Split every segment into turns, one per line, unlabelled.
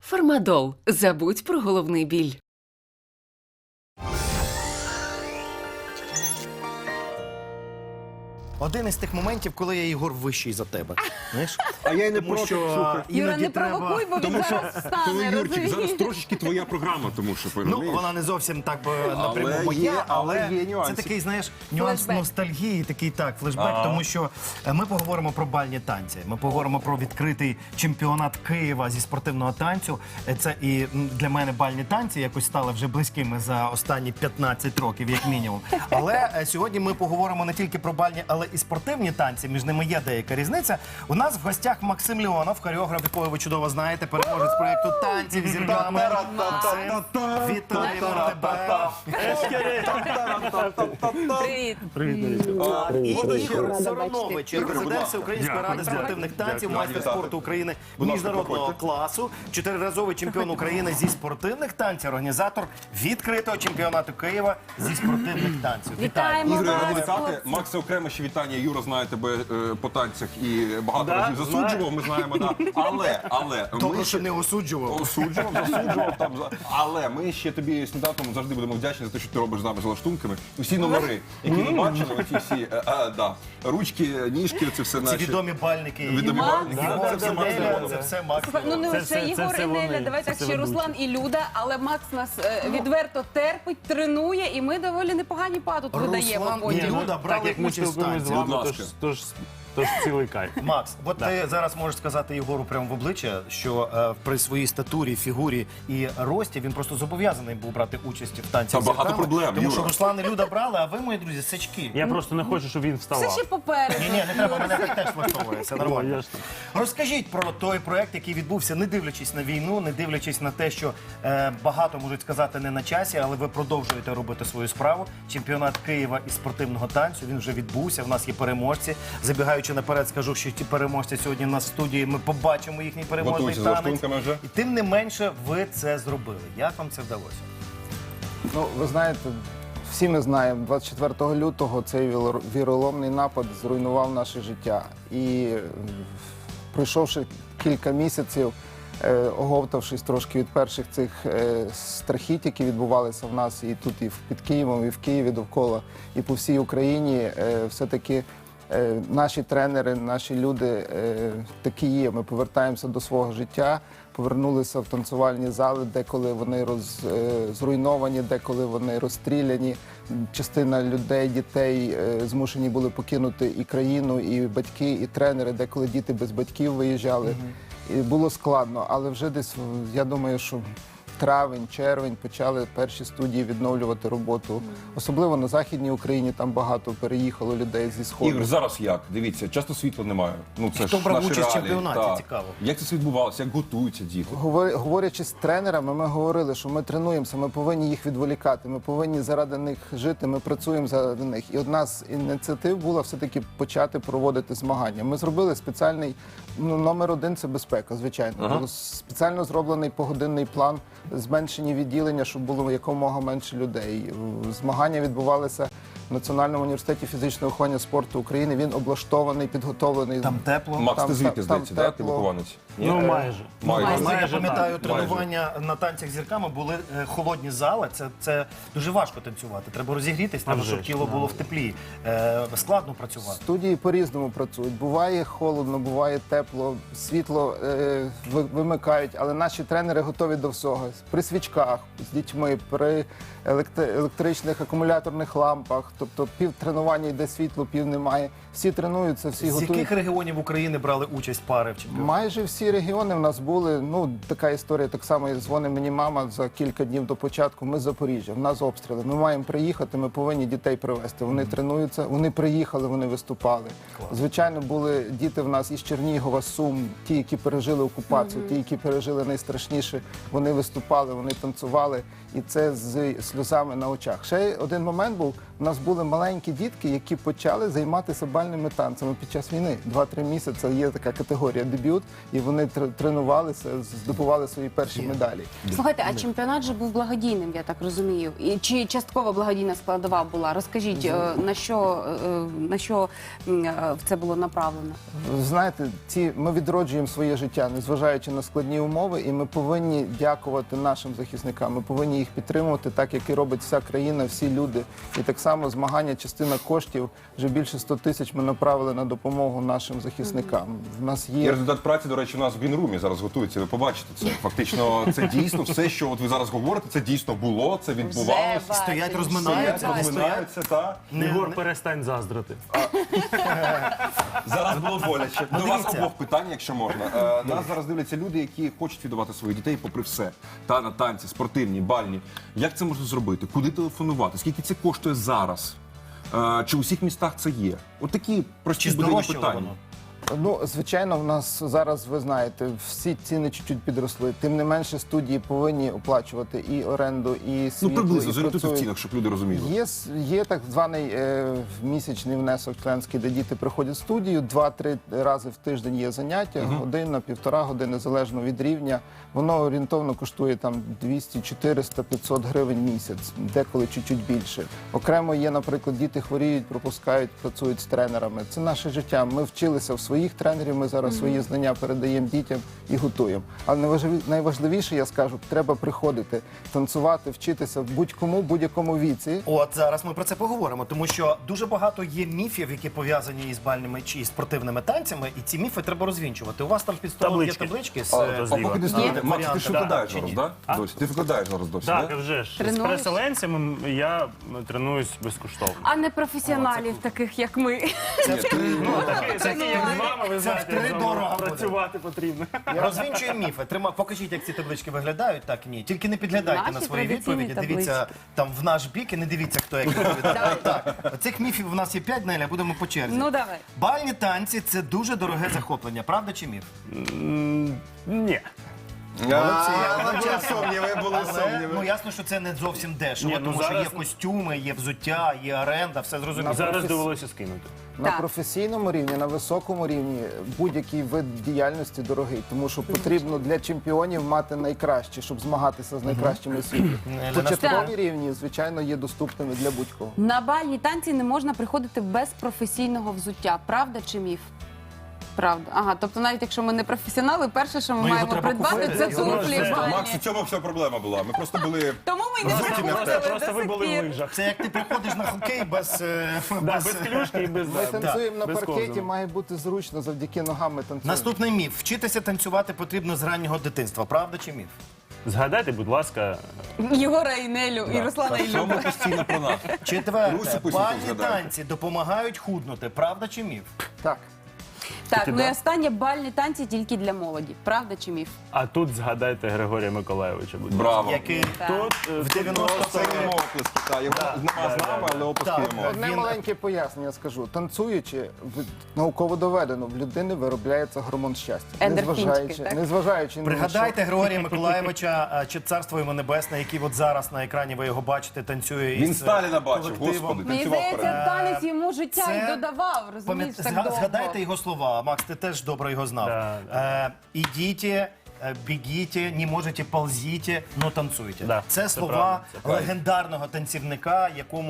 Фармадол. Забудь про головний біль.
Один із тих моментів, коли я, Ігор, вищий за тебе. Знаєш?
А я й не
Тому
проти,
що
слухай.
іноді
Юра, не
треба...
провокуй, бо він
Тому що,
зараз
коли
стане,
Юрчик, зараз
розумієш?
трошечки твоя програма, тому що,
Ну,
розумієш?
вона не зовсім так би напряму
Але
моя,
є-
але
але є
це
нюанси.
такий, знаєш, нюанс
Флешбек.
ностальгії, такий флешбек, тому що ми поговоримо про бальні танці. Ми поговоримо про відкритий чемпіонат Києва зі спортивного танцю. Це і для мене бальні танці якось стали вже близькими за останні 15 років, як мінімум. Але сьогодні ми поговоримо не тільки про бальні, але і спортивні танці. Між ними є деяка різниця. У нас в гостях Максим Леонов, хореограф, якого ви чудово знаєте, переможець проєкту «Танців зірками». Максим, вітаємо тебе.
Привіт.
І Ігор Соронович, президент Всеукраїнської ради спортивних танців, майстер спорту України міжнародного класу, 4-разовий чемпіон України зі спортивних танців, організатор відкритого чемпіонату Києва зі спортивних танців.
Вітаємо
Ігор, я радий
вас,
вітати.
хлопці.
Макса, окремо ще вітання. Юра знає тебе по танцях і багато разів засуджував, ми знаємо. Да. Але
Добре,
ми
що не осуджував.
осуджував, засуджував там. Але ми ще тобі сніданком завжди будемо вдячні за те, що ти робиш з нами з лаштунками. Усі номери, які ми бачили, оці всі ручки, ніжки, це все
Ці
наші.
відомі бальники.
Відомі
Макс,
бальники.
Єгор,
Це все Макс
Неля,
Леонов.
це все Макс
Слухай, ну не
Леонов.
лише Єгор і Неля, давай так ще Руслан і Люда, але Макс нас відверто терпить, тренує, і ми доволі непогані па тут видаємо
Руслан і
потім.
Люда брали
як ми
участь в
спілкуємось з
танці.
Будь
вами,
ласка.
тож цілий кайф.
Макс, от ти зараз можеш сказати Єгору прямо в обличчя, що при своїй статурі, фігурі і рості він просто зобов'язаний був брати участь в танці.
Та багато проблем,
Тому що
Юра.
Руслан і Люда брали, а ви, мої друзі, сички.
Я просто не хочу, щоб він
Все
вставав.
ще попереду.
Ні, не треба, мене так теж влаштовує, все
О,
нормально.
ясно.
Розкажіть про той проект, який відбувся, не дивлячись на війну, не дивлячись на те, що багато можуть сказати не на часі, але ви продовжуєте робити свою справу. Чемпіонат Києва із спортивного танцю, він вже відбувся, в нас є переможці. Забігаючи наперед, скажу, що ті переможці сьогодні на студії, ми побачимо їхній переможний
Готуйся з
танець.
лаштунками вже.
І тим не менше, ви це зробили. Як вам це вдалося?
Ну, ви знаєте, всі ми знаємо, 24 лютого цей віроломний напад зруйнував наше життя. І пройшовши кілька місяців, оговтавшись трошки від перших цих страхіть, які відбувалися в нас і тут, і під Києвом, і в Києві довкола, і по всій Україні, все-таки наші тренери, наші люди такі є. Ми повертаємося до свого життя, повернулися в танцювальні зали, деколи вони зруйновані, деколи вони розстріляні. Частина людей, дітей змушені були покинути і країну, і батьки, і тренери, деколи діти без батьків виїжджали. І було складно, але вже десь, я думаю, що травень, червень почали перші студії відновлювати роботу. Особливо на Західній Україні, там багато переїхало людей зі Сходу.
Ігор, зараз як? Дивіться, часто світла немає. Ну, це
Хто
ж
брав
наші
участь в
реалії.
чемпіонаті?
Так.
Цікаво.
Як це все відбувалося? Як готуються діти?
Говорячи з тренерами, ми говорили, що ми тренуємося, ми повинні їх відволікати, ми повинні заради них жити, ми працюємо заради них. І одна з ініціатив була все-таки почати проводити змагання. Ми зробили спеціальний, номер один – це безпека, звичайно. Було спеціально зроблений погодинний план, зменшені відділення, щоб було якомога менше людей. Змагання відбувалися в Національному університеті фізичного виховання спорту України. Він облаштований, підготовлений.
Там тепло?
Макс, ти звідки,
там
здається, так? Ти
тепло.
вихованець? Ні?
Ну, майже.
Я пам'ятаю,
так.
тренування на танцях зірками були холодні зали. Це дуже важко танцювати. Треба розігрітись, треба,
вже
щоб
ж,
тіло було в теплі. Складно працювати.
Студії по-різному працюють. Буває холодно, буває тепло, світло вимикають, але наші тренери готові до всього. При свічках, з дітьми, при електричних акумуляторних лампах. Тобто пів тренування йде світло, пів немає. Всі тренуються, всі
З
готують.
яких регіонів України брали участь пари в чемпіонаті?
Майже всі регіони в нас були. Ну, така історія, так само дзвонить мені мама за кілька днів до початку. Ми з Запоріжжя, в нас обстріли. Ми маємо приїхати, ми повинні дітей привезти. Вони тренуються, вони приїхали, вони виступали. Звичайно, були діти в нас із Чернігова, Сум, ті, які пережили окупацію, ті, які пережили найстрашніше. Вони виступали, вони танцювали. І це з сльозами на очах. Ще один момент був, У нас були маленькі дітки, які почали займатися бальними танцями під час війни. 2-3 місяці є така категорія дебют, і вони тренувалися, здобували свої перші медалі.
Слухайте, а чемпіонат же був благодійним, я так розумію. І чи частково благодійна складова була? Розкажіть, на що це було направлено?
Знаєте, ми відроджуємо своє життя, незважаючи на складні умови, і ми повинні дякувати нашим захисникам. Ми повинні їх підтримувати, так як і робить вся країна, всі люди. І так само змагання, частина коштів, вже більше 100 тисяч ми направили на допомогу нашим захисникам. В нас
І
є
результат праці, до речі, у нас в Грінрумі зараз готується. Ви побачите це. Фактично, це дійсно все, що от ви зараз говорите, це дійсно було, це відбувалося.
Вже
Стоять,
бачимо.
розминаються,
Вже
Розминаються, та.
Єгор, перестань заздрити.
Зараз було боляче. До вас
дивіться.
обох питань, якщо можна. Нас зараз дивляться люди, які хочуть віддавати своїх дітей попри все. Та на танці, спортивні, бальні. Як це можна зробити? Куди телефонувати? Скільки це коштує зараз? Чи у всіх містах це є? От такі прості
Чи
буденні
здорожчало
питання.
воно?
Ну, звичайно, в нас зараз, ви знаєте, всі ціни чуть-чуть підросли. Тим не менше, студії повинні оплачувати і оренду, і
Ну,
світло,
приблизно,
і
зорієнтуйте в
працюють.
цінах, щоб люди розуміли.
Є так званий місячний внесок членський, де діти приходять в студію. 2-3 рази в тиждень є заняття, година, 1,5 години, залежно від рівня. Воно орієнтовно коштує там 200, 400, 500 гривень місяць, деколи чуть-чуть більше. Окремо є, наприклад, діти хворіють, пропускають, працюють з тренерами. Це наше життя. Ми вчилися в своїх тренерів, ми зараз свої знання передаємо дітям і готуємо. Але найважливіше, я скажу, треба приходити, танцювати, вчитися будь-кому, будь-якому віці.
От зараз ми про це поговоримо, тому що дуже багато є міфів, які пов'язані із бальними чи із спортивними танцями, і ці міфи треба розвінчувати. У вас там під столом є
Таблички.
таблички з
О,
А поки ти стоїте, Макс, ти ж
варіантами.
викладаєш
Чи
зараз,
ні?
так? Досі. Ти викладаєш зараз досі,
Так,
так?
вже ж. З
Тренуєш?
переселенцями я тренуюсь безкоштовно.
А не професіоналів, таких як ми.
Такі, як з вами, ви знаєте,
втридорога
з вами
буде.
працювати потрібно.
Розвінчуємо міфи. Покажіть, як ці таблички виглядають, так і ні. Тільки не підглядайте
Наші
на свої
традиційні
відповіді. Дивіться
таблички.
там в наш бік і не дивіться, хто як відповідає. Так, цих міфів у нас є 5, Неля, будемо по черзі.
Ну давай.
Бальні танці це дуже дороге захоплення, правда чи міф?
Ні.
Були сумніви, були
Але ну
сумніви.
ясно, що це не зовсім дешево,
Ні, ну,
тому що
зараз-
є костюми, є взуття, є оренда, все зрозуміло.
Зараз довелося скинути.
На
Так.
професійному рівні, на високому рівні будь-який вид діяльності дорогий, тому що потрібно для чемпіонів мати найкраще, щоб змагатися з найкращими у світі. Початкові рівні, звичайно, є доступними для будь-кого.
На бальні танці не можна приходити без професійного взуття. Правда чи міф? Правда. Ага, тобто навіть якщо ми не професіонали, перше, що ми
Ну, його
маємо
треба
придбати,
купити.
це
Його
туфлі
вже-
бальні.
Макс, у цьому вся проблема була. Ми просто були...
Тому ми й не
Взуті не
заходили
Просто
до
ви
сих
були в
пір.
лижах.
Це як ти приходиш на хокей без...
Без клюшки і без
Ми танцюємо на
без
паркеті,
козиру.
має бути зручно, завдяки ногам ми танцюємо.
Наступний міф. Вчитися танцювати потрібно з раннього дитинства. Правда чи міф?
Згадайте, будь ласка,
Єгора і Нелю, і Руслана і Любу.
Чому постійно про нас?
Четверте.
Русі пусть
Бальні
згадає.
танці допомагають худнути. Правда чи міф?
Так.
Так, ну
да.
і останнє бальні танці тільки для молоді. Правда чи міф?
а тут згадайте Григорія Миколайовича, будь ласка.
Браво.
Який
Так.
Тут,
в
Це
90
йому оплески. Так, його нема з нами, але оплески
Так.
йому.
Одне
Він-
маленьке пояснення скажу. Танцюючи, науково доведено, в людини виробляється гормон щастя.
Ендорфінчики, так?
Незважаючи ні на
Пригадайте Григорія Миколаєвича, чи царство йому небесне, який от зараз на екрані ви його бачите, танцює
Він
із
Сталіна бачив,
колективом.
господи,
Мені
танцював
здається,
перед.
танець йому життя
Це-
і додавав, розумієш, так довго.
Згадайте його слова. Макс, ти теж добре його знав.
Да,
Ідіть, бігіть, не можете, ползіть, но танцюйте.
Да,
це
це
слова
правда, це правда.
легендарного танцівника,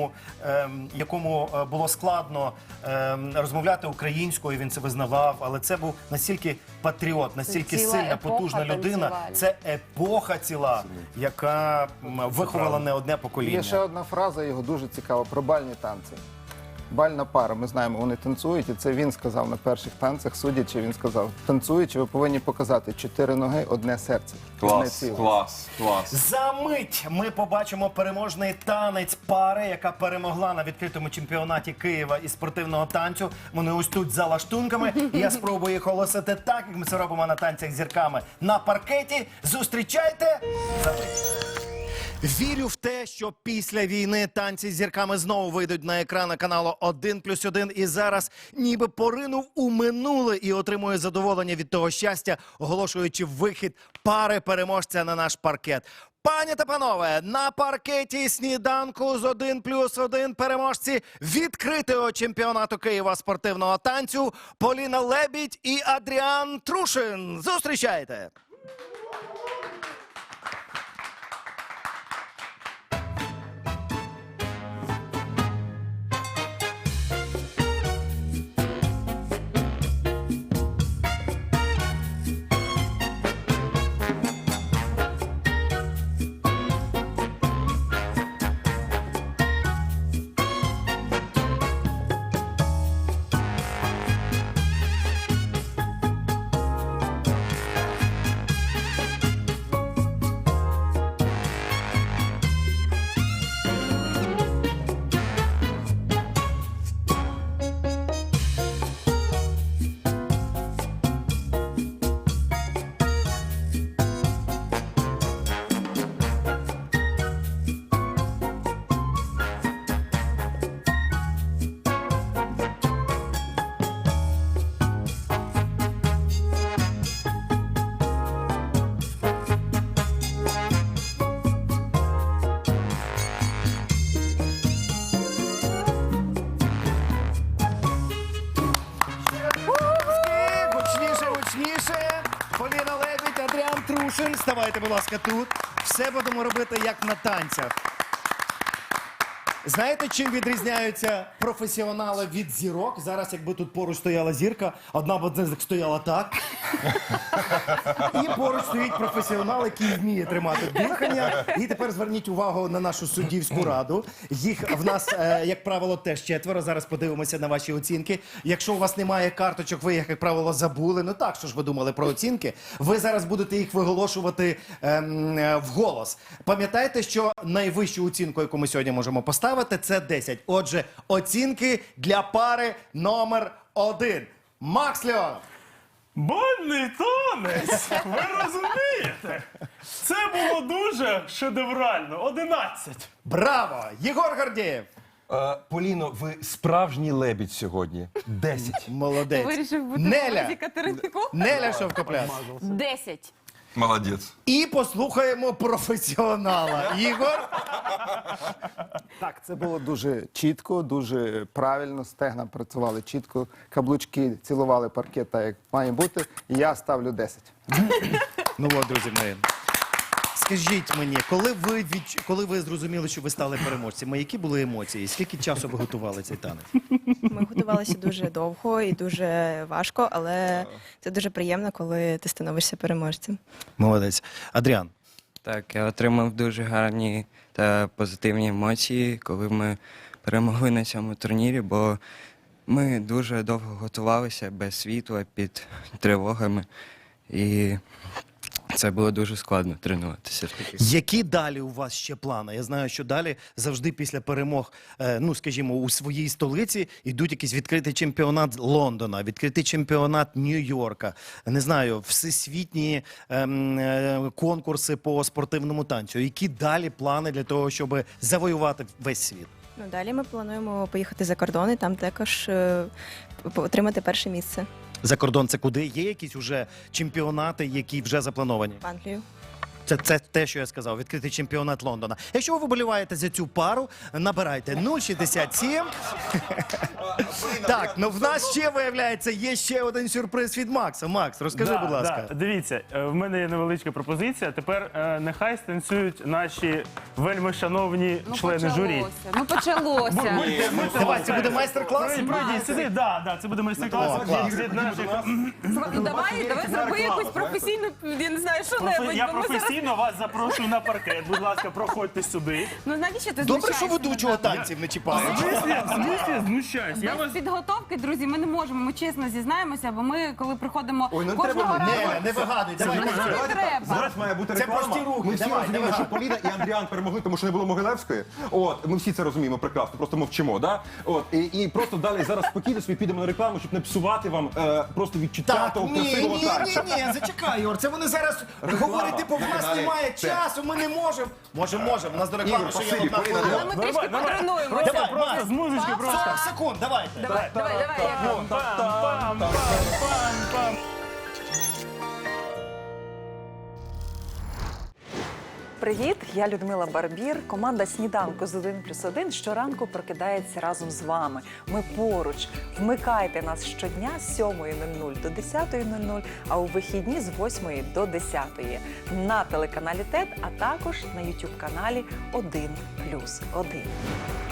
якому було складно розмовляти українською, він це визнавав, але це був настільки патріот, настільки
ціла
сильна,
епоха
потужна людина.
танцювальна.
Це епоха ціла, яка виховала не одне покоління.
Є ще одна фраза його дуже цікава про бальні танці. Бальна пара, ми знаємо, вони танцюють, і це він сказав на перших танцях, судячи, він сказав, танцюючи, ви повинні показати 4 ноги, одне серце. Одне
Клас,
ціле.
клас, клас.
За мить ми побачимо переможний танець пари, яка перемогла на відкритому чемпіонаті Києва із спортивного танцю. Вони ось тут за лаштунками. І я спробую їх оголосити так, як ми це робимо на танцях з зірками на паркеті. Зустрічайте! За мить. Вірю в те, що після війни танці з зірками знову вийдуть на екрани каналу 1+1 і зараз ніби поринув у минуле і отримує задоволення від того щастя, оголошуючи вихід пари переможця на наш паркет. Пані та панове, на паркеті сніданку з 1+1 переможці відкритого чемпіонату Києва спортивного танцю Поліна Лебідь і Адріан Трушин. Зустрічайте! Гучніше, гучніше. Поліна Лебідь, Адріан Трушин. Ставайте, будь ласка, тут. Все будемо робити, як на танцях. Знаєте, чим відрізняються професіонали від зірок? Зараз, якби тут поруч стояла зірка, одна б з них стояла так. І поруч стоїть професіонал, який вміє тримати дихання. І тепер зверніть увагу на нашу суддівську раду. Їх в нас, як правило, теж 4. Зараз подивимося на ваші оцінки. Якщо у вас немає карточок, ви їх, як правило, забули. Ну так, що ж ви думали про оцінки? Ви зараз будете їх виголошувати вголос. Пам'ятайте, що найвищу оцінку, яку ми сьогодні можемо поставити, це 10. Отже, оцінки для пари номер 1. Макс Леонов.
Бальний танець! Ви розумієте? Це було дуже шедеврально. 11.
Браво! Єгор Гордієв.
Поліно, ви справжній лебідь сьогодні. 10.
Молодець.
Вирішив бути
Неля.
Катеринко.
Неля Шовкопляс.
10.
Молодець.
І послухаємо професіонала. Ігор.
Так, це було дуже чітко, дуже правильно. Стегна працювали чітко, каблучки цілували паркет так, як має бути. І я ставлю 10.
Ну от, друзі мої. Скажіть мені, коли ви зрозуміли, що ви стали переможцями, які були емоції? Скільки часу ви готували цей танець?
Ми готувалися дуже довго і дуже важко, але це дуже приємно, коли ти становишся переможцем.
Молодець. Адріан.
Так, я отримав дуже гарні та позитивні емоції, коли ми перемогли на цьому турнірі, бо ми дуже довго готувалися без світла, під тривогами, і це було дуже складно тренуватися.
Які далі у вас ще плани? Я знаю, що далі завжди після перемог, ну, скажімо, у своїй столиці йдуть якийсь відкритий чемпіонат Лондона, відкритий чемпіонат Нью-Йорка, не знаю, всесвітні конкурси по спортивному танцю. Які далі плани для того, щоб завоювати весь світ?
Ну, далі ми плануємо поїхати за кордон і там також отримати перше місце
За кордон це куди? Є якісь уже чемпіонати, які вже заплановані?
в Англію.
Це те, що я сказав, відкритий чемпіонат Лондона. Якщо ви вболіваєте за цю пару, набирайте 067. Так, ну в нас ще, виявляється, є ще один сюрприз від Макса. Макс, розкажи, будь ласка.
Да. Дивіться, в мене є невеличка пропозиція. Тепер нехай станцюють наші вельми шановні члени журі.
Ну почалося.
Давай, це буде майстер-клас?
Пройдіть сюди, да, це буде майстер-клас.
О, клас.
Від наших-
Давай зроби якусь професійну, я не знаю, що-небудь.
Я
бо ми зараз-
професійно вас запрошую на паркет. Будь ласка, проходьте сюди.
Ну навіщо ти
Добре, що
знущаєшся
ведучого
над нами?
танців не чіпають.
Знущаюсь. Я
Без
вас
підготовки, друзі, ми не можемо. Ми чесно зізнаємося, бо ми, коли приходимо кожного разу...
Не вигадуй, давай.
Ну, що не треба?
Зараз має бути
Це
реклама.
прості рухи.
Ми всі
Давай,
розуміємо,
давай.
що Поліна і Андріан перемогли, тому що не було Могилевської. От, ми всі це розуміємо прекрасно, просто мовчимо, да? От, і просто далі зараз спокійно собі підемо на рекламу, щоб не псувати вам просто відчуття
Так,
того
ні,
красивого танцю.
зачекай, Юр, це вони зараз говорять, типу, в нас
каналі
немає
ТЕТ.
часу, ми не можемо. Можемо. У нас до реклами
Ігор,
ще є
спасибі,
одна
Поліна,
хвилина.
Але ми трішки потренуємося.
Давай,
Просто
Макс,
з музички просто.
40 секунд, давайте.
Давай, як
Пам-пам-пам-пам-пам.
Привіт, я Людмила Барбір. Команда «Сніданку з 1+1» щоранку прокидається разом з вами. Ми поруч. Вмикайте нас щодня з 7:00 до 10:00, а у вихідні з 8 до 10 на телеканалі ТЕТ, а також на YouTube-каналі 1+1.